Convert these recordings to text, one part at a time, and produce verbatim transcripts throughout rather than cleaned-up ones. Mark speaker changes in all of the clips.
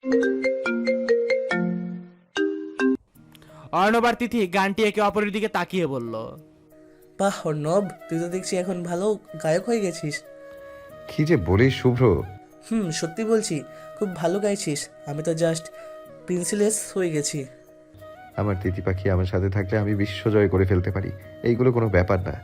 Speaker 1: অর্ণব আর তিথি গানটি একে অপরের দিকে তাকিয়ে বলল,
Speaker 2: বাহ অর্ণব, তুই তো দেখছি এখন ভালো গায়ক হয়ে গেছিস।
Speaker 3: কি যে বলিস শুভ্র।
Speaker 2: হুম, সত্যি বলছি, খুব ভালো গাইছিস। আমি তো জাস্ট প্রিন্সিলেস হয়ে গেছি।
Speaker 3: আমার তিথি পাখি আমার সাথে থাকলে আমি বিশ্ব জয় করে ফেলতে পারি, এইগুলো কোনো ব্যাপার না।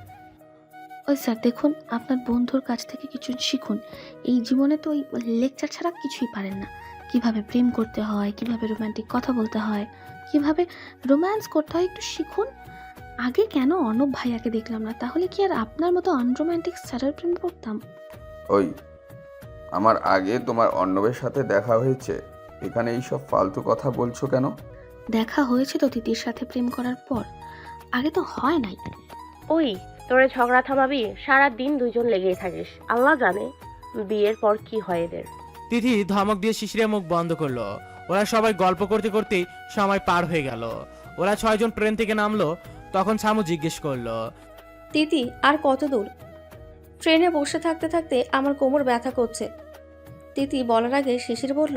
Speaker 4: ওই স্যার দেখুন, আপনার বন্ধুর কাছ থেকে কিছু শিখুন। এই জীবনে তো ওই লেকচার ছাড়া কিছুই পারেন না। কিভাবে প্রেম করতে হয়, কিভাবে রোমান্টিক কথা বলতে হয়, কিভাবে রোম্যান্স করতে হয় একটু শিখুন। আগে কেন অর্ণব ভাইয়াকে দেখলাম না? তাহলে কি আর আপনার মতো আনরোম্যান্টিক স্যারের প্রেম করতাম?
Speaker 5: ওই, আমার আগে তোমার অর্ণবের সাথে দেখা হয়েছে, এখানে এইসব ফালতু কথা বলছো কেন?
Speaker 4: দেখা হয়েছে তো তিতির সাথে প্রেম করার পর, আগে তো হয় নাই।
Speaker 6: ওই, তোরে ঝগড়া থামাবি? সারা দিন দুইজন লেগেই থাকিস, আল্লাহ জানে বিয়ের পর কি হয় এদের।
Speaker 1: তিথি ধমক দিয়ে শিশিরের মুখ বন্ধ করলো। ওরা সবাই গল্প করতে করতেই সময় পার হয়ে গেল। ওরা ছয়জন ট্রেন থেকে নামলো। তখন সামু জিজ্ঞেস করলো,
Speaker 7: তিতি আর কত দূর? ট্রেনে বসে থাকতে থাকতে আমার কোমর ব্যথা করছে। তিতি বলার আগে শিশির বলল,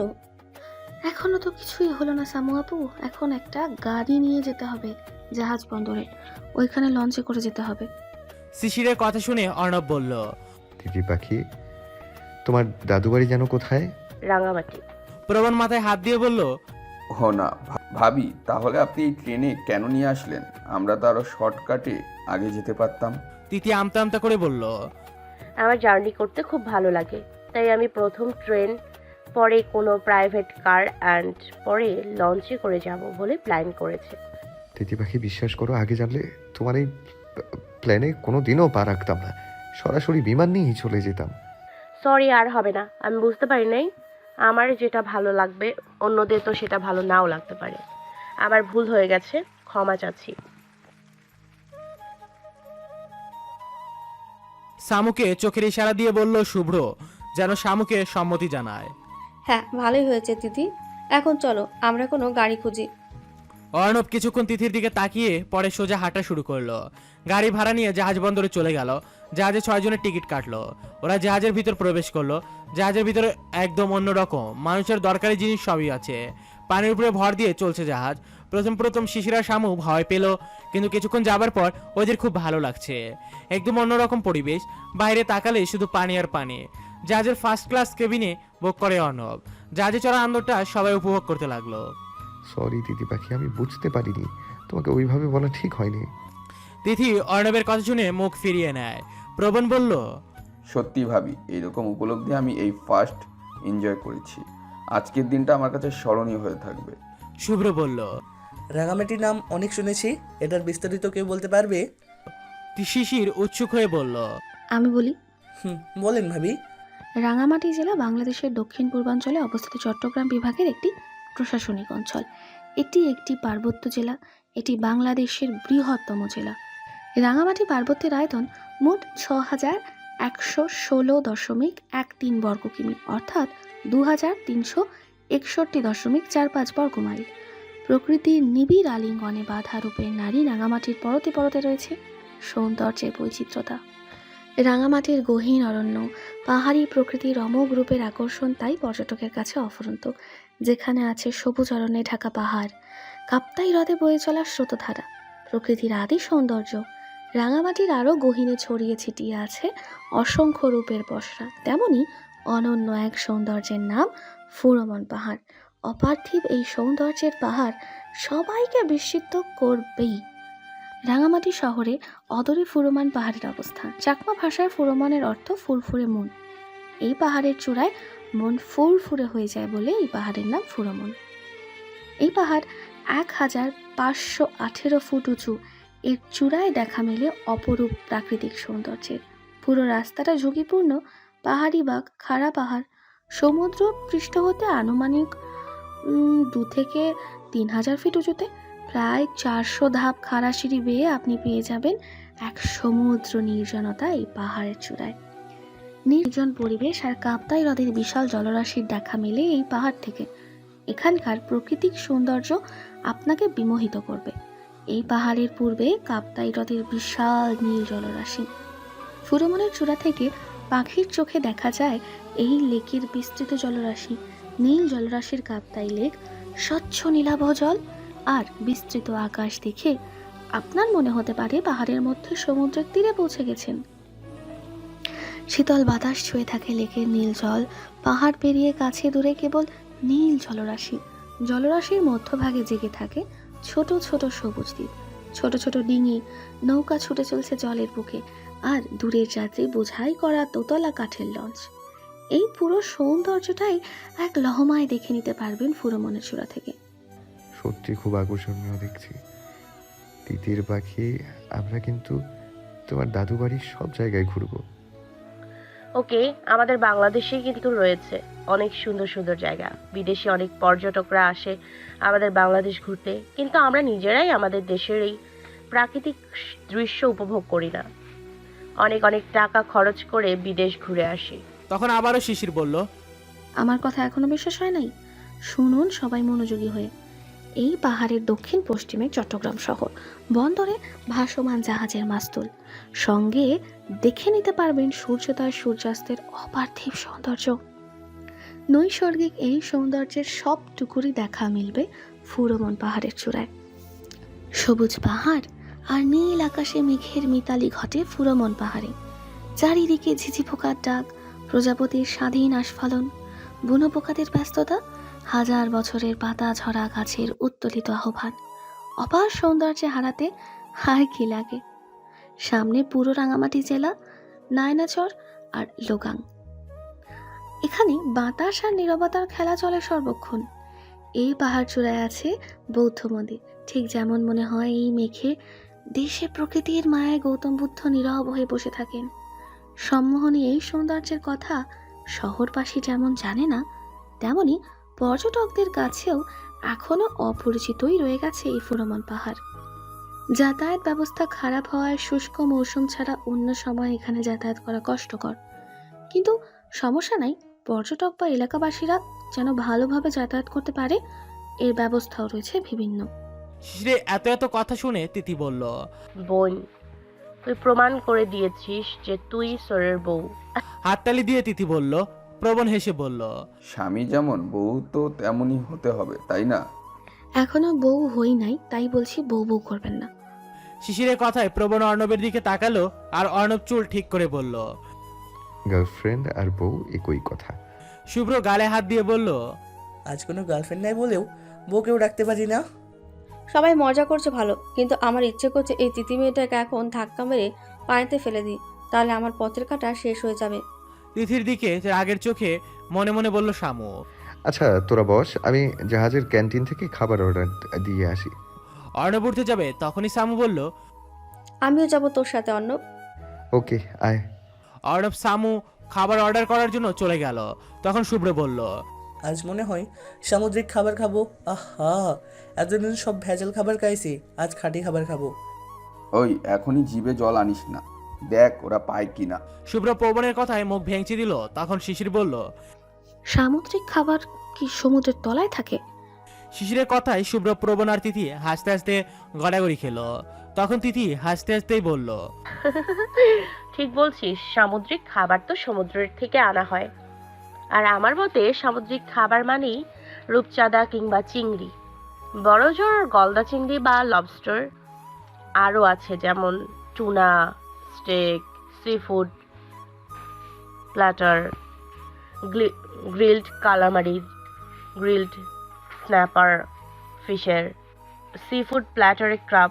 Speaker 4: এখনো তো কিছুই হলো না সামু আপু, এখন একটা গাড়ি নিয়ে যেতে হবে জাহাজ বন্দরে, ওইখানে লঞ্চে করে যেতে হবে।
Speaker 1: শিশিরের কথা শুনে অর্ণব বলল,
Speaker 3: তিথি পাখি, তোমার দাদু বাড়ি যেন কোথায়?
Speaker 6: রাঙামাটি।
Speaker 1: প্রবণ মাথায় হাত দিয়ে বলল,
Speaker 5: হো না ভা- ভাবি, তাহলে আপনি এই ট্রেনে কেন নিয়ে আসলেন? আমরা তো আরো শর্টকাটে আগে যেতে পারতাম।
Speaker 1: তিথি আমতা আমতা করে বলল,
Speaker 6: আমার জার্নি করতে খুব ভালো লাগে, তাই আমি প্রথম ট্রেন, পরে কোনো প্রাইভেট কার অ্যান্ড পরে লঞ্চে করে যাব বলে প্ল্যান করেছে।
Speaker 3: তিথি পাখি, বিশ্বাস করো, আগে জানলে তোমার এই প্ল্যানে কোনো দিনও পা রাখতাম না, সরাসরি বিমান নিয়েই চলে যেতাম।
Speaker 6: সরি, আর হবে না। আমি বুঝতে পারি নাই, আমার যেটা ভালো লাগবে অন্যদের তো সেটা ভালো নাও লাগতে পারে। আমার ভুল হয়ে গেছে, ক্ষমা চাচ্ছি।
Speaker 1: সামুকে চোখের ইশারা দিয়ে বলল শুভ্র, যেন সামুকে সম্মতি জানায়।
Speaker 7: হ্যাঁ ভালোই হয়েছে তিথি, এখন চলো আমরা কোনো গাড়ি খুঁজি।
Speaker 1: অর্ণব কিছুক্ষণ তিথির দিকে তাকিয়ে পরে সোজা হাঁটা শুরু করলো। গাড়ি ভাড়া নিয়ে জাহাজ বন্দরে চলে গেল। জাহাজে ছয়জনের টিকিট কাটলো। ওরা জাহাজের ভিতর প্রবেশ করলো। জাহাজের ভিতরে একদম অন্যরকম, মানুষের দরকারি জিনিস সবই আছে। পানির উপরে ভর দিয়ে চলছে জাহাজ। প্রথম প্রথম শিশিরা শামু ভয় পেল, কিন্তু কিছুক্ষণ যাবার পর ওদের খুব ভালো লাগছে। একদম অন্যরকম পরিবেশ, বাইরে তাকালে শুধু পানি আর পানি। জাহাজের ফার্স্ট ক্লাস কেবিনে বুক করে অর্ণব। জাহাজে চড়া আনন্দটা সবাই উপভোগ করতে লাগলো।
Speaker 3: সরি তিথি পাখি, আমি বুঝতে পারিনি, তোমাকে ওইভাবে বলা ঠিক হয়নি।
Speaker 1: তিথি অর্ণবের কথা শুনে মুখ ফিরিয়ে নেয়। প্রবণ বলল,
Speaker 5: সত্যি ভাবি, এইরকম উপলব্ধি আমি এই ফার্স্ট এনজয় করেছি। আজকের দিনটা আমার কাছে স্মরণীয় হয়ে থাকবে।
Speaker 1: শুভ্র বলল।
Speaker 2: রাঙামাটির নাম অনেক শুনেছি, এটার বিস্তারিত কেউ বলতে পারবে?
Speaker 1: শিশির উৎসুক হয়ে বলল,
Speaker 4: আমি বলি,
Speaker 2: হুম, বলেন ভাবি।
Speaker 4: রাঙামাটি জেলা বাংলাদেশের দক্ষিণ পূর্বাঞ্চলে অবস্থিত চট্টগ্রাম বিভাগের একটি প্রশাসনিক অঞ্চল। এটি একটি পার্বত্য জেলা। এটি বাংলাদেশের বৃহত্তম জেলা। রাঙামাটি পার্বত্যের আয়তন মোট ছ হাজার একশো ষোলো দশমিক এক তিন বর্গ কিমি, অর্থাৎ দু হাজার তিনশো একষট্টি দশমিক চার পাঁচ বর্গ মাইল। প্রকৃতির নিবিড় আলিঙ্গনে বাধা রূপে নারী রাঙামাটির পরতে পরতে রয়েছে সৌন্দর্যের বৈচিত্র্যতা। রাঙামাটির গহীন অরণ্য, পাহাড়ি প্রকৃতির অমোঘ রূপের আকর্ষণ তাই পর্যটকের কাছে অফুরন্ত। যেখানে আছে সবুজ অরণ্যে ঢাকা পাহাড়, কাপ্তাই হ্রদে বয়ে চলা স্রোতধারা, প্রকৃতির আদি সৌন্দর্য। রাঙামাটির আরও গহীনে ছড়িয়ে ছিটিয়ে আছে অসংখ্য রূপের পসরা। তেমনি অনন্য এক সৌন্দর্যের নাম ফুরমন পাহাড়। অপার্থিব এই সৌন্দর্যের পাহাড় সবাইকে বিস্মিত করবেই। রাঙামাটি শহরে অদূরে ফুরমান পাহাড়ের অবস্থান। চাকমা ভাষায় ফুরমানের অর্থ ফুরফুরে মন। এই পাহাড়ের চূড়ায় মন ফুরফুরে হয়ে যায় বলে এই পাহাড়ের নাম ফুরমন। এই পাহাড় এক হাজার পাঁচশো আঠেরো ফুট উঁচু। এর চূড়ায় দেখা মেলে অপরূপ প্রাকৃতিক সৌন্দর্যের। পুরো রাস্তাটা ঝুঁকিপূর্ণ। পাহাড়ি বাঁক, খাড়া পাহাড়, সমুদ্র পৃষ্ঠ হতে আনুমানিক উম, দু থেকে তিন হাজার ফিট উঁচুতে। প্রায় চারশো ধাপ খাড়া সিঁড়ি বেয়ে আপনি পেয়ে যাবেন এক সমুদ্র নির্জনতা এই পাহাড়ের চূড়ায়। নির্জন পরিবেশ আর কাপ্তাই হ্রদের বিশাল জলরাশির দেখা মেলে এই পাহাড় থেকে। এখানকার প্রাকৃতিক সৌন্দর্য আপনাকে বিমোহিত করবে। এই পাহাড়ের পূর্বে কাপ্তাই হ্রদের বিশাল নীল জলরাশি। ফুরমনের চূড়া থেকে পাখির চোখে দেখা যায় এই লেকের বিস্তৃত জলরাশি। নীল জলরাশির কাপ্তাই লেক, স্বচ্ছ নীলাভ জল আর বিস্তৃত আকাশ দেখে আপনার মনে হতে পারে পাহাড়ের মধ্যে সমুদ্রের তীরে পৌঁছে গেছেন। শীতল বাতাস ছুঁয়ে থাকে লেকের নীল জল, পাহাড় পেরিয়ে কাছে দূরে কেবল নীল জলরাশি। জলরাশির মধ্যভাগে জেগে থাকে ছোট ছোট সবুজ দ্বীপ, ছোট ছোট ডিঙি, নৌকা ছুটে চলছে জলের বুকে, আর দূরের যাত্রী বোঝাই করা দোতলা কাঠের লঞ্চ। এই পুরো সৌন্দর্যটাই এক লহমায় দেখে নিতে পারবেন ফুরোমনের চূড়া থেকে।
Speaker 3: সত্যি খুব আকর্ষণীয় দেখছি। তিতির পাখি, আমরা কিন্তু তোমার দাদু বাড়ির সব জায়গায় ঘুরবো।
Speaker 6: ওকে, আমাদের বাংলাদেশে কিন্তু রয়েছে অনেক সুন্দর সুন্দর জায়গা। বিদেশি অনেক পর্যটকরা আসে আমাদের বাংলাদেশ ঘুরতে, কিন্তু আমরা নিজেরাই আমাদের দেশের এই প্রাকৃতিক দৃশ্য উপভোগ করি না। অনেক অনেক টাকা খরচ করে বিদেশ ঘুরে আসি।
Speaker 1: তখন আবারও শিশির বলল,
Speaker 4: আমার কথা এখনো বিশ্বাস হয় নাই? শুনুন সবাই মনোযোগী হয়ে। এই পাহাড়ের দক্ষিণ পশ্চিমে চট্টগ্রাম শহর, বন্দরে ভাসমান জাহাজের মাস্তুল, সঙ্গে দেখে নিতে পারবেন সূর্যোদয় সূর্যাস্তের অপার্থিব সৌন্দর্য। নৈসর্গিক এই সৌন্দর্যের সবটুকুরই দেখা মিলবে ফুরোমন পাহাড়ের চূড়ায়। সবুজ পাহাড় আর নীল আকাশে মেঘের মিতালি ঘটে ফুরোমন পাহাড়ে। চারিদিকে ঝিঝি পোকার ডাক, প্রজাপতির স্বাধীন আস্ফালন, বুনো পোকাদের ব্যস্ততা, হাজার বছরের পাতা ঝরা গাছের উত্তোলিত আহ্বান। অপার সৌন্দর্যে হারাতে হায় কি লাগে। সামনে পুরো রাঙামাটি জেলা, নায়নাচর আর লোগাং। এখানে বাতাস আর নীরবতার খেলা চলে সর্বক্ষণ। এই পাহাড় চূড়ায় আছে বৌদ্ধ মন্দির, ঠিক যেমন মনে হয় এই মেঘে দেশে প্রকৃতির মায়ায় গৌতম বুদ্ধ নীরব হয়ে বসে থাকেন। সম্মোহনী এই সৌন্দর্যের কথা শহরবাসী যেমন জানে না, তেমনি পর্যটকদের কাছেও এখনো অপরিচিতই রয়ে গেছে এই ফুরোমন পাহাড়। যাতায়াত ব্যবস্থা খারাপ হওয়ায় শুষ্ক মৌসুম ছাড়া অন্য সময় এখানে যাতায়াত করা কষ্টকর, কিন্তু সমস্যা নাই। পর্যটক বা এলাকাবাসীরা যেন ভালোভাবে যাতায়াত করতে পারে এর ব্যবস্থাও রয়েছে বিভিন্ন।
Speaker 1: শিশিরের এত এত কথা শুনে তিতি বলল,
Speaker 6: বোন, তুই প্রমাণ করে দিয়েছিস যে তুই সোরের বউ।
Speaker 1: হাততালি দিয়ে তিতি বলল। প্রবণ হেসে বলল,
Speaker 5: স্বামী যেমন বউ তো তেমনই হতে হবে, তাই না?
Speaker 4: এখনো বউ হই নাই, তাই বলছি বউ বউ করবেন না।
Speaker 1: শিশিরের কথায় প্রবণ অর্ণবের দিকে তাকালো আর অর্ণব চুল ঠিক করে বলল।
Speaker 3: গার্লফ্রেন্ড আর বউ একই কথা।
Speaker 1: শুভ্র গালে হাত দিয়ে বলল,
Speaker 2: আজ কোনো গার্লফ্রেন্ড নাই বলেও বউকেও ডাকতে পারি না।
Speaker 7: সবাই মজা করছে ভালো, কিন্তু আমার ইচ্ছে করছে এই তিতি মেয়েটাকে এখন ধাক্কা মেরে পানিতে ফেলে দিই, তাহলে আমার পথের কাটা শেষ হয়ে যাবে।
Speaker 1: তিথির দিকে রাগের চোখে মনে মনে বলল শামু।
Speaker 3: আচ্ছা তোরা বস, আমি জাহাজের ক্যান্টিন থেকে খাবার অর্ডার দিয়ে আসি।
Speaker 1: অর্ণব উঠতে যাবে, তখনই শামু বলল,
Speaker 7: আমিও যাব তোর সাথে অর্ণব।
Speaker 3: ওকে আয়।
Speaker 1: অর্ণব শামু খাবার অর্ডার করার জন্য চলে গেল। তখন শুভ্র বলল,
Speaker 2: আজ মনে হয় সামুদ্রিক খাবার খাবো। আহা, এতদিন সব ভেজাল খাবার খাইছি, আজ খাঁটি খাবার খাবো।
Speaker 5: ওই এখনই জিভে জল আনিস না, দেখ ওরা পায় কিনা।
Speaker 1: শুভ্র পবনের কথায় মুখ ভেঙচি দিল। তখন শিশির বলল,
Speaker 4: সামুদ্রিক খাবার কি সমুদ্রের তলায় থাকে?
Speaker 1: শিশিরের কথায় শুভ্র, প্রবণ আর তিথি হাসতে হাসতে গড়াগড়ি খেলো। তখন তিথি হাসতে হাসতেই বলল,
Speaker 6: ঠিক বলছিস, সামুদ্রিক খাবার তো সমুদ্রের থেকে আনা হয়। আর আমার মতে সামুদ্রিক খাবার মানেই রূপচাঁদা কিংবা চিংড়ি, বড় জোর গলদা চিংড়ি বা লবস্টার। আরও আছে যেমন tuna, steak, seafood platter, grilled calamari, grilled snapper ফিশের, সি ফুড প্ল্যাটারে crab,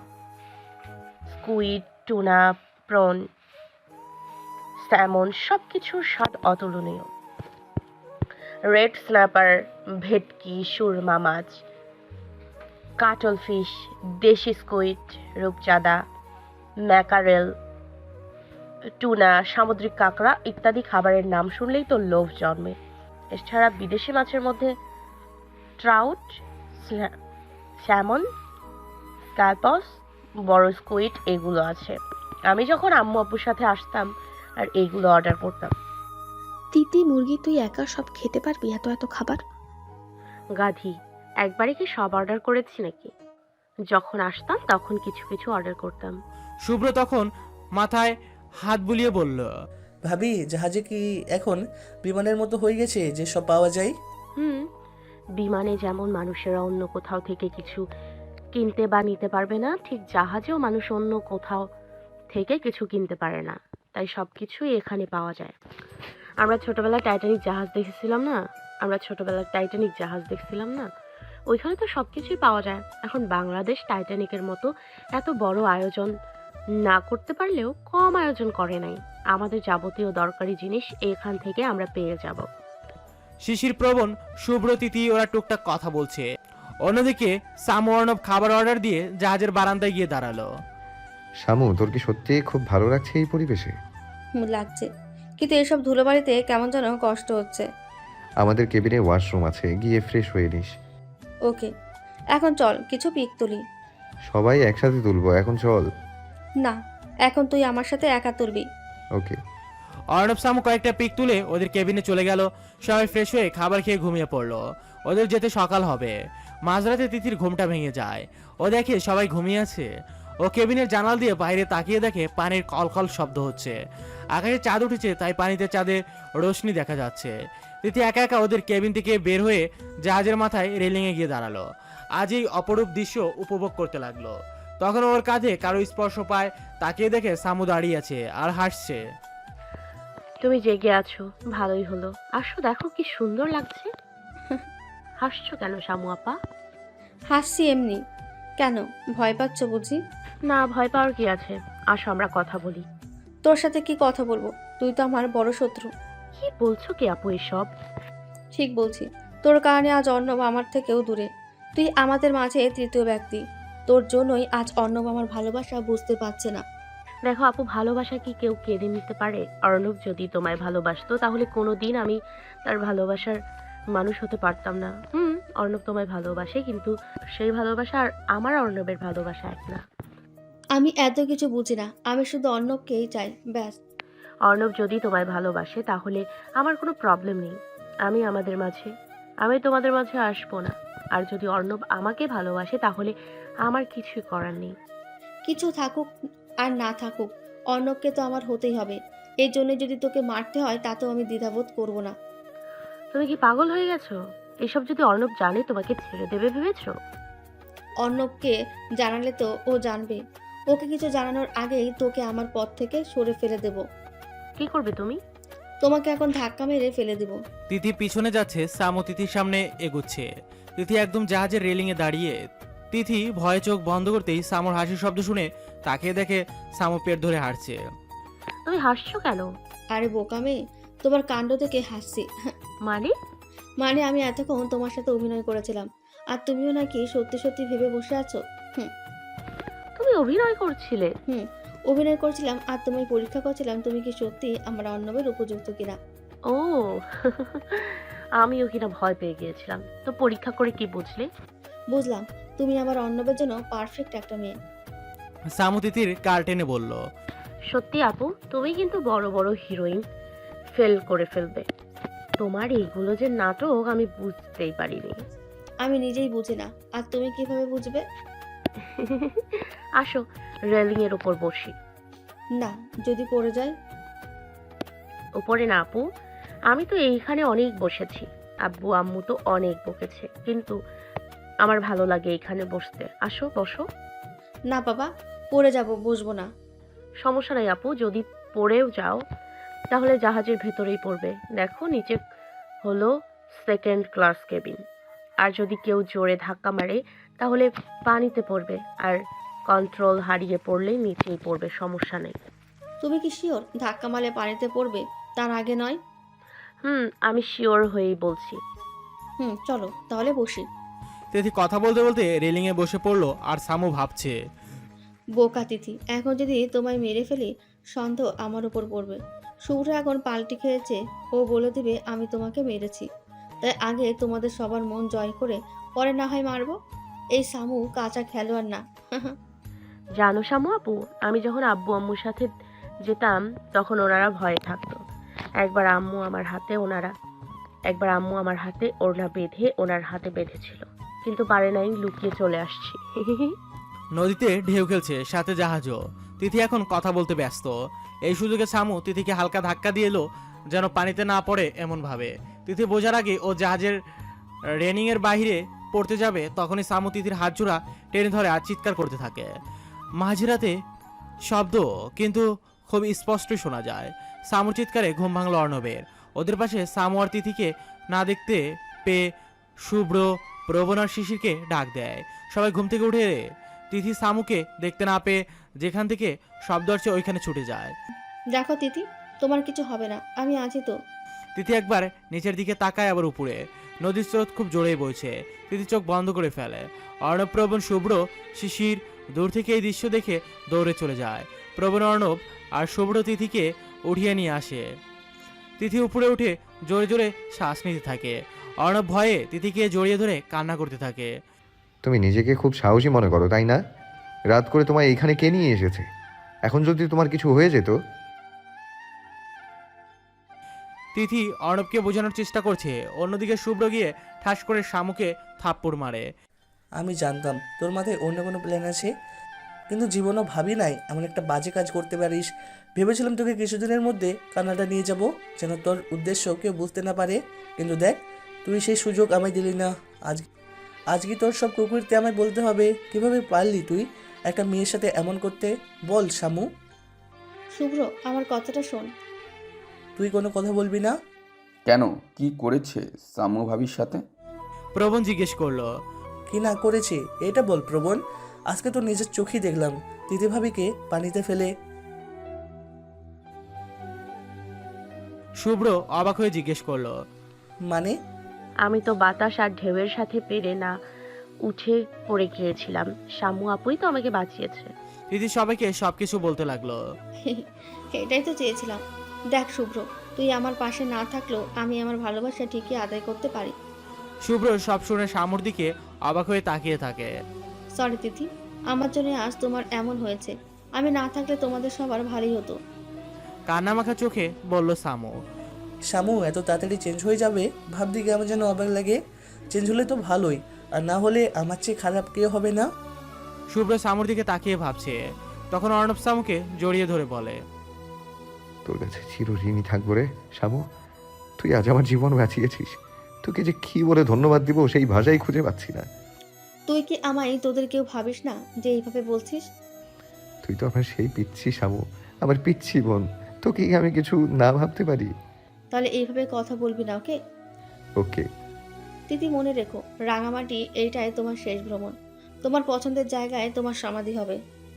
Speaker 6: squid, tuna, prawn, salmon, সব কিছুর স্বাদ অতুলনীয়। রেড স্ন্যাপার, ভেটকি, সুরমা মাছ, কাটল ফিশ, দেশি স্কুইড, রূপচাঁদা, ম্যাকারেল, টুনা, সামুদ্রিক কাঁকড়া ইত্যাদি খাবারের নাম শুনলেই তো লোভ জন্মে। এছাড়া বিদেশি মাছের মধ্যে ট্রাউট, স্যামন, স্ক্যালপস, বড় স্কুইড এগুলো আছে। আমি যখন আম্মু আব্বুর সাথে আসতাম আর এইগুলো অর্ডার করতাম।
Speaker 4: তিতি মুরগি, তুই একা সব খেতে পারবি এত এত খাবার?
Speaker 6: গাধি, একবারে কি সব অর্ডার করেছি নাকি? যখন আসতাম তখন কিছু কিছু অর্ডার করতাম।
Speaker 1: শুভ্র তখন মাথায় হাত বুলিয়ে বলল,
Speaker 2: ভাবি জাহাজে কি এখন বিমানের মতো হয়ে গেছে যে সব পাওয়া যায়?
Speaker 6: হুম, বিমানে যেমন মানুষেরা অন্য কোথাও থেকে কিছু কিনতে বা নিতে পারবে না, ঠিক জাহাজেও মানুষ অন্য কোথাও থেকে কিছু কিনতে পারে না, তাই সব কিছুই এখানে পাওয়া যায়। আমরা ছোটবেলায় টাইটানিক জাহাজ দেখেছিলাম না আমরা ছোটবেলায় টাইটানিক জাহাজ দেখছিলাম না ওইখানে তো সব কিছুই পাওয়া যায়। এখন বাংলাদেশ টাইটানিকের মতো এত বড় আয়োজন না করতে পারলেও কম আয়োজন করে নাই। আমাদের যাবতীয় দরকারি জিনিস এখান থেকে আমরা পেয়ে যাব।
Speaker 1: শিশির, প্রবণ, শুভ্র, তিথি ওরা টুকটাক কথা বলছে। অন্যদিকে সামু অর্ণব খাবার অর্ডার দিয়ে জাহাজের বারান্দায় গিয়ে দাঁড়ালো।
Speaker 3: শামু, তোর কি সত্যি খুব ভালো লাগছে এই পরিবেশে?
Speaker 7: হুম, লাগছে, কিন্তু এসব ধুলোবাড়িতে কেমন যেন কষ্ট হচ্ছে।
Speaker 3: আমাদের কেবিনে ওয়াশরুম আছে, গিয়ে ফ্রেশ হয়ে নিস।
Speaker 7: ওকে, এখন চল কিছু পিক তুলি।
Speaker 3: সবাই একসাথে তুলবো, এখন চল।
Speaker 7: না, এখন তুই আমার সাথে একা তুলবি।
Speaker 3: ওকে।
Speaker 1: অর্ণব সামু কয়েকটা পিক তুলে ওদের কেবিনে চলে গেল। সবাই ফ্রেশ হয়ে খাবার খেয়ে ঘুমিয়ে পড়লো। ওদের যেতে সকাল হবে। মাঝরাতে তিথির ঘুমটা ভেঙে যায়। ও দেখে সবাই ঘুমিয়ে আছে। ও কেবিনের জানাল দিয়ে বাইরে তাকিয়ে দেখে পানির কলকল শব্দ হচ্ছে। আকাশে চাঁদ উঠেছে, তাই পানিতে চাঁদের রোশনি দেখা যাচ্ছে। তিথি একা একা ওদের কেবিন থেকে বের হয়ে জাহাজের মাথায় রেলিংয়ে গিয়ে দাঁড়ালো। আজ এই অপরূপ দৃশ্য উপভোগ করতে লাগলো। তখন ওর কাঁধে কারো স্পর্শ পায়। তাকিয়ে দেখে সামু দাঁড়িয়ে আছে আর হাসছে।
Speaker 6: তুমি জেগে আছো, ভালোই হলো। আসো, দেখো কি সুন্দর লাগছে। হাসছো কেন শামু আপা?
Speaker 7: হাসছি এমনি। কেন, ভয় পাচ্ছ বুঝি?
Speaker 6: না, ভয় পাওয়ার কি আছে, আসো আমরা কথা বলি।
Speaker 7: তোর সাথে কি কথা বলবো? তুই তো আমার বড় শত্রু।
Speaker 6: কি বলছো কি আপু এসব?
Speaker 7: ঠিক বলছি, তোর কারণে আজ অর্ণব আমার থেকেও দূরে। তুই আমাদের মাঝে তৃতীয় ব্যক্তি। তোর জন্যই আজ অর্ণব আমার ভালোবাসা বুঝতে পারছে না।
Speaker 6: দেখো আপু, ভালোবাসা কি কেউ কেড়ে নিতে পারে? অর্ণব যদি তোমায় ভালোবাসতো তাহলে কোনোদিন আমি তার ভালোবাসার মানুষ হতে পারতাম না। হুম, অর্ণব তোমায় ভালোবাসে, কিন্তু সেই ভালোবাসা আর আমার অর্ণবের ভালোবাসা এক না।
Speaker 7: আমি এত কিছু বুঝি না, আমি শুধু অর্ণবকেই চাই, ব্যাস।
Speaker 6: অর্ণব যদি তোমায় ভালোবাসে তাহলে আমার কোনো প্রবলেম নেই। আমি আমাদের মাঝে আমি তোমাদের মাঝে আসবো না। আর যদি অর্ণব আমাকে ভালোবাসে তাহলে আমার কিছুই করার নেই।
Speaker 7: কিছু থাকুক আর না থাকুক, অর্ণবকে তো আমার হতেই হবে। এই জন্য যদি তোকে মারতে হয় তাতেও আমি দ্বিধাবোধ করব না।
Speaker 6: তুমি কি পাগল হয়ে গেছো? এসব যদি অর্ণব জানে তোমাকে ছেড়ে দেবে ভেবেছো?
Speaker 7: অর্ণবকে জানালে তো ও জানবে। ওকে কিছু জানানোর আগেই তোকে আমার পথ থেকে সরে ফেলে দেব।
Speaker 6: কি করবে তুমি?
Speaker 7: তোমাকে এখন ধাক্কা মেরে ফেলে দেব।
Speaker 1: তিথি পিছনে যাচ্ছে, সামু তিথির সামনে এগুচ্ছে। তিথি একদম জাহাজের রেলিংয়ে দাঁড়িয়ে। তিথি ভয়ে চোখ বন্ধ করতেই সামুর হাসির শব্দ শুনে তাকিয়ে দেখে সামু পেট ধরে হাসছে।
Speaker 6: তুমি হাসছো কেন?
Speaker 7: আরে বোকা মেয়ে, তোমার কাণ্ড থেকে হাসছি।
Speaker 6: মানে?
Speaker 7: মানে আমি এতক্ষণ তোমার সাথে অভিনয় করেছিলাম, আর তুমিও নাকি সত্যি সত্যি ভেবে বসে আছো। হুম
Speaker 6: তুমি অভিনয় করছিলে?
Speaker 7: হুম অভিনয় করছিলাম, আর তোমায় পরীক্ষা করছিলাম তুমি কি সত্যি আমার অর্ণবের উপযুক্ত কিনা।
Speaker 6: ও, আমিও কিনা ভয় পেয়ে গিয়েছিলাম। তো পরীক্ষা করে কি বুঝলে?
Speaker 7: বুঝলাম তুমি আমার অর্ণবের জন্য পারফেক্ট একটা মেয়ে।
Speaker 1: সামু তিথির কার টেনে বলল।
Speaker 6: সত্যি আপু, তুমি কিন্তু বড় বড় হিরোইন ফেল করে ফেলবে। তোমার এইগুলো যে নাটক আমি বুঝতেই পারিনি।
Speaker 7: আমি নিজেই বুঝি না, আর তুমি কিভাবে বুঝবে?
Speaker 6: আসো, রেলিং এর উপর বসি।
Speaker 7: না, যদি পড়ে যায়?
Speaker 6: উপরে না আপু, আমি তো এইখানে অনেক বসেছি। আব্বু আম্মু তো অনেক বকেছে, কিন্তু আমার ভালো লাগে এইখানে বসতে। আসো, বসো।
Speaker 7: না বাবা, পড়ে যাব, বসবো না।
Speaker 6: সমস্যা নাই আপু, যদি পড়েও যাও তাহলে জাহাজের ভেতরেই পড়বে। দেখো, নিচে হলো সেকেন্ড ক্লাস কেবিন। আর যদি কেউ জোরে ধাক্কা মারে তাহলে পানিতে পড়বে, আর কন্ট্রোল হারিয়ে পড়লে নিচেই পড়বে, সমস্যা নেই।
Speaker 7: তুমি কি শিওর ধাক্কা মারলে পানিতে পড়বে, তার আগে নয়?
Speaker 6: হুম, আমি শিওর হয়েই বলছি।
Speaker 7: হুম, চলো তাহলে বসি।
Speaker 1: তিথি কথা বলতে বলতে রেলিংয়ে বসে পড়লো আর সামু ভাবছে।
Speaker 7: বোকা তিথি, এখন যদি তোমায় মেরে ফেলি সন্দেহ আমার উপর পড়বে। শুভ্র এখন পাল্টি খেয়েছে, ও বলে দিবে আমি তোমাকে মেরেছি। তাই আগে তোমাদের সবার মন জয় করে পরে না হয় মারবো। এই সামু কাঁচা খেলোয়াড় না।
Speaker 6: জানো শামু আপু, আমি যখন আব্বু আম্মুর সাথে যেতাম তখন ওনারা ভয়ে থাকতো। একবার আম্মু আমার হাতে ওনারা একবার আম্মু আমার হাতে ওড়না বেঁধে ওনার হাতে বেঁধেছিল, কিন্তু পারে নাই, লুকিয়ে চলে আসছি।
Speaker 1: নদীতে ঢেউ খেলছে, সাথে জাহাজও। তিথি এখন কথা বলতে ব্যস্ত। এই সুযোগে সামু তিথিকে হালকা ধাক্কা দিয়ে এলো, যেন পানিতে না পড়ে এমন ভাবে। তিথি বোঝার আগে ও জাহাজের রেনিং এর বাইরে পড়তে যাবে, তখনই সামু তিথির হাত জোড়া টেনে ধরে আর চিৎকার করতে থাকে। মাঝরাতে শব্দ কিন্তু খুব স্পষ্টই শোনা যায়। সামুর চিৎকারে ঘুম ভাঙল অর্ণবের। ওদের পাশে সামু আর তিথিকে না দেখতে পেয়ে শুভ্র, প্রবণ আর শিশিরকে ডাক দেয়। সবাই ঘুম থেকে উঠে তিথি সামুকে দেখতে না পেয়ে যেখান থেকে শব্দ আসছে ওইখানে ছুটে যায়।
Speaker 7: দেখো তিথি, তোমার কিছু হবে না, আমি আছি তো।
Speaker 1: তিথি একবার নিচের দিকে তাকায়, আবার উপরে। নদীর স্রোত খুব জোরেই বইছে। তিথি চোখ বন্ধ করে ফেলে। অর্ণব, প্রবণ, শুভ্র, শিশির দূর থেকে এই দৃশ্য দেখে দৌড়ে চলে যায়। প্রবণ, অর্ণব আর শুভ্র তিথিকে উঠিয়ে নিয়ে আসে। তিথি উপরে উঠে জোরে জোরে শ্বাস নিতে থাকে। অর্ণব ভয়ে তিথিকে জড়িয়ে ধরে কান্না করতে থাকে।
Speaker 3: তুমি নিজেকে খুব সাহসী মনে করো, তাই না? রাত করে তোমায় এইখানে কে নিয়ে এসেছে? এখন যদি তোমার কিছু হয়ে যেত?
Speaker 1: তিথি অর্ণবকে বোঝানোর চেষ্টা করছে। অন্যদিকে শুভ্র গিয়ে ঠাস করে শামুকে থাপ্পড় মারে।
Speaker 2: আমি জানতাম তোর মাথায় অন্য কোনো প্ল্যান আছে, কিন্তু জীবনও ভাবি নাই এমন একটা বাজে কাজ করতে পারিস। ভেবেছিলাম তোকে কিছুদিনের মধ্যে কানাডা নিয়ে যাব, যেন তোর উদ্দেশ্য কেউ বুঝতে না পারে। কিন্তু দেখ, তুই সেই সুযোগ আমায় দিলি না। আজ আজকে তোর সব কুকুরতে আমায় বলতে হবে। কিভাবে পারলি তুই একটা মেয়ের সাথে এমন করতে? বল শামু।
Speaker 7: শুভ্র, আমার কথাটা শোন।
Speaker 2: তুই কোনো কথা বলবি না?
Speaker 5: কেন, কি করেছে সামু ভাবির সাথে?
Speaker 1: প্রবণ জিজ্ঞেস করলো।
Speaker 2: কি না করেছে এটা বল প্রবণ। আজকে তো নিজের চোখেই দেখলাম দিদি ভাবিকে পানিতে ফেলে।
Speaker 1: শুভ্র অবাক হয়ে জিজ্ঞেস করলো।
Speaker 2: মানে?
Speaker 6: আমি তো বাতাস আর ঢেউয়ের সাথে পেরে না উঠে পড়ে গিয়েছিলাম। শামু আপুই তো আমাকে বাঁচিয়েছে।
Speaker 1: তিথি সবাইকে সবকিছু বলতে লাগলো।
Speaker 7: এটাই তো চেয়েছিলাম। দেখ শুভ্র, তুই আমার পাশে না থাকলেও আমি আমার ভালোবাসা ঠিকই আদায় করতে পারি।
Speaker 1: শুভ্র সব শুনে শামুর দিকে অবাক হয়ে তাকিয়ে থাকে।
Speaker 7: সরি তিথি, আমার জন্য আজ তোমার এমন হয়েছে। আমি না থাকলে তোমাদের সবার ভালোই হতো।
Speaker 1: কান্নামাখা চোখে বলল সামু।
Speaker 2: শামু এত তাড়াতাড়ি চেঞ্জ হয়ে যাবে ভাবতে কেমন যেন অবাক লাগে। চেঞ্জ হলে তো ভালোই, আর না হলে আমার চেয়ে খারাপ কেউ হবে না।
Speaker 1: শুভ্র সামুর দিকে তাকিয়ে ভাবছে। তখন অর্ণব সামুকে জড়িয়ে ধরে বলে।
Speaker 3: তোর কাছে চিরঋণী থাকবো রে শামু। তুই আজ আমার জীবন বাঁচিয়েছিস। তোকে যে কি বলে ধন্যবাদ দিব সেই ভাষাই খুঁজে পাচ্ছি না।
Speaker 7: তুই কি আমায় তোদের কেউ ভাবিস না যে এইভাবে বলছিস?
Speaker 3: তুই তো আমার সেই পিচ্ছি শামু, আমার পিচ্ছি বোন। তোকে কি আমি কিছু না ভাবতে পারি?
Speaker 7: তাহলে এইভাবে কথা বলবি না, ওকে?
Speaker 3: ওকে।
Speaker 7: তিথি, মনে রেখো, রাঙামাটি এইটাই তোমার শেষ ভ্রমণ। তোমার পছন্দের জায়গায় তোমার সমাধি হবে।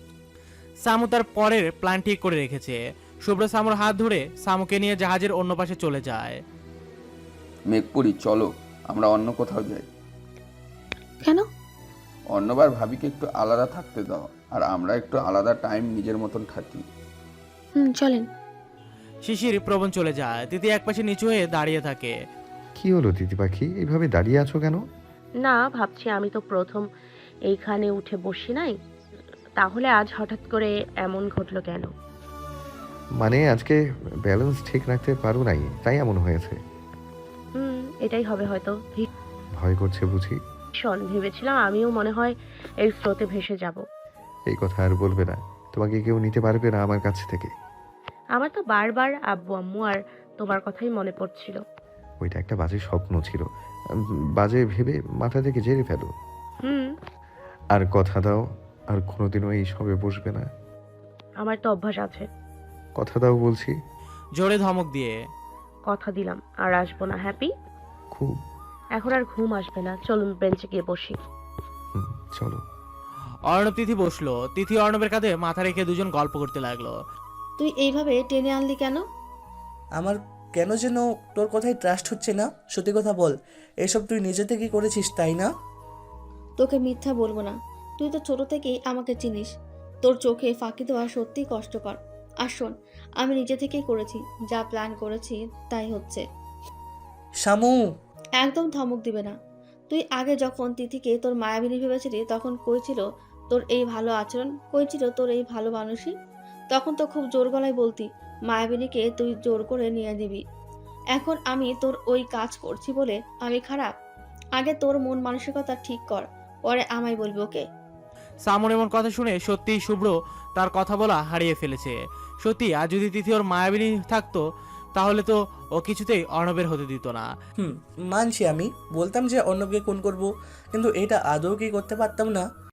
Speaker 1: সামু তার পরের প্ল্যান ঠিক করে রেখেছে। শুভ্র সামুর হাত ধরে সামুকে নিয়ে জাহাজের অন্য পাশে চলে যায়।
Speaker 5: মেঘপুরি, চলো আমরা অন্য কোথাও যাই।
Speaker 4: কেন?
Speaker 5: অন্যবার ভাবিকে একটু আলাদা থাকতে দাও, আর আমরা একটু আলাদা টাইম নিজের মতন থাকি।
Speaker 4: হুম, চলেন।
Speaker 1: শিশির, প্রবণ চলে যায়। তিথি একপাশে নিচু হয়ে দাঁড়িয়ে থাকে।
Speaker 3: কি হলো দিদি পাখি, এইভাবে দাঁড়িয়ে আছো কেন?
Speaker 6: না, ভাবছি আমি তো প্রথম এইখানে উঠে বসি নাই, তাহলে আজ হঠাৎ করে এমন ঘটলো কেন?
Speaker 3: মানে আজকে ব্যালেন্স ঠিক রাখতে পারো নাই, তাই এমন হয়েছে।
Speaker 6: হুম, এটাই হবে হয়তো।
Speaker 3: ভয় করছে বুঝি?
Speaker 6: ভীষণ ভেবেছিলাম আমিও মনে হয় এই স্রোতে ভেসে যাব।
Speaker 3: এই কথা আর বলবে না, তোমাকে কেউ নিতে পারবে না আমার কাছ থেকে।
Speaker 6: আমার তো বারবার আব্বু আম্মু আর তোমার কথাই মনে পড়ছিল।
Speaker 3: ওইটা একটা বাজে স্বপ্ন ছিল, উম, বাজে ভেবে মাথা থেকে ঝেড়ে ফেলো।
Speaker 6: হুম,
Speaker 3: আর কথা দাও আর কোনোদিনও এই সবে বসবে না।
Speaker 6: আমার তো অভ্যাস আছে।
Speaker 3: কথা দাও বলছি।
Speaker 1: জোরে ধমক দিয়ে।
Speaker 6: কথা দিলাম আর আসবো না। হ্যাপি?
Speaker 3: খুব।
Speaker 6: এখন আর ঘুম আসবে না, চলুন বেঞ্চে গিয়ে বসি।
Speaker 3: হুম, চলো।
Speaker 1: অর্ণব তিথি বসলো। তিথি অর্ণবের কাঁধে মাথা রেখে দুজন গল্প করতে লাগলো।
Speaker 7: তুই এইভাবে টেনে আনলি কেন?
Speaker 2: আমার কেন যেন তোর কথায় ট্রাস্ট হচ্ছে না। সত্যি কথা বল, এসব তুই নিজে থেকেই করেছিস তাই না?
Speaker 7: তোকে মিথ্যা বলবো না, তুই তো ছোট থেকেই আমাকে চিনিস। তোর চোখে ফাঁকি দেওয়া সত্যিই কষ্টকর। আর শোন, আমি নিজে থেকেই করেছি, যা প্ল্যান করেছি তাই হচ্ছে।
Speaker 2: শামু!
Speaker 7: একদম ধমক দিবে না। তুই আগে যখন তিথিকে তোর মায়াবিনী ভেবেছিলি তখন কই ছিল তোর এই ভালো আচরণ, কই ছিল তোর এই ভালো মানুষই? তখন তো খুব জোর গলায় বলতি মায়াবিনীকে তুই জোর করে নিয়ে দিবি। এখন আমি তোর ওই কাজ করছি বলে আমি খারাপ? আগে তোর মন মানসিকতা ঠিক কর, পরে আমায় বলবি, ওকে?
Speaker 1: সামন এমন কথা শুনে সত্যিই শুভ্র তার কথা বলা হারিয়ে ফেলেছে। সত্যি আজ যদি তিথি ওর মায়াবিনী থাকতো তাহলে তো ও কিছুতেই অর্ণবের হতে দিত না।
Speaker 2: হুম, মানছি আমি, বলতাম যে অর্ণবকে খুন করব, কিন্তু এটা আদৌ কি করতে পারতাম না।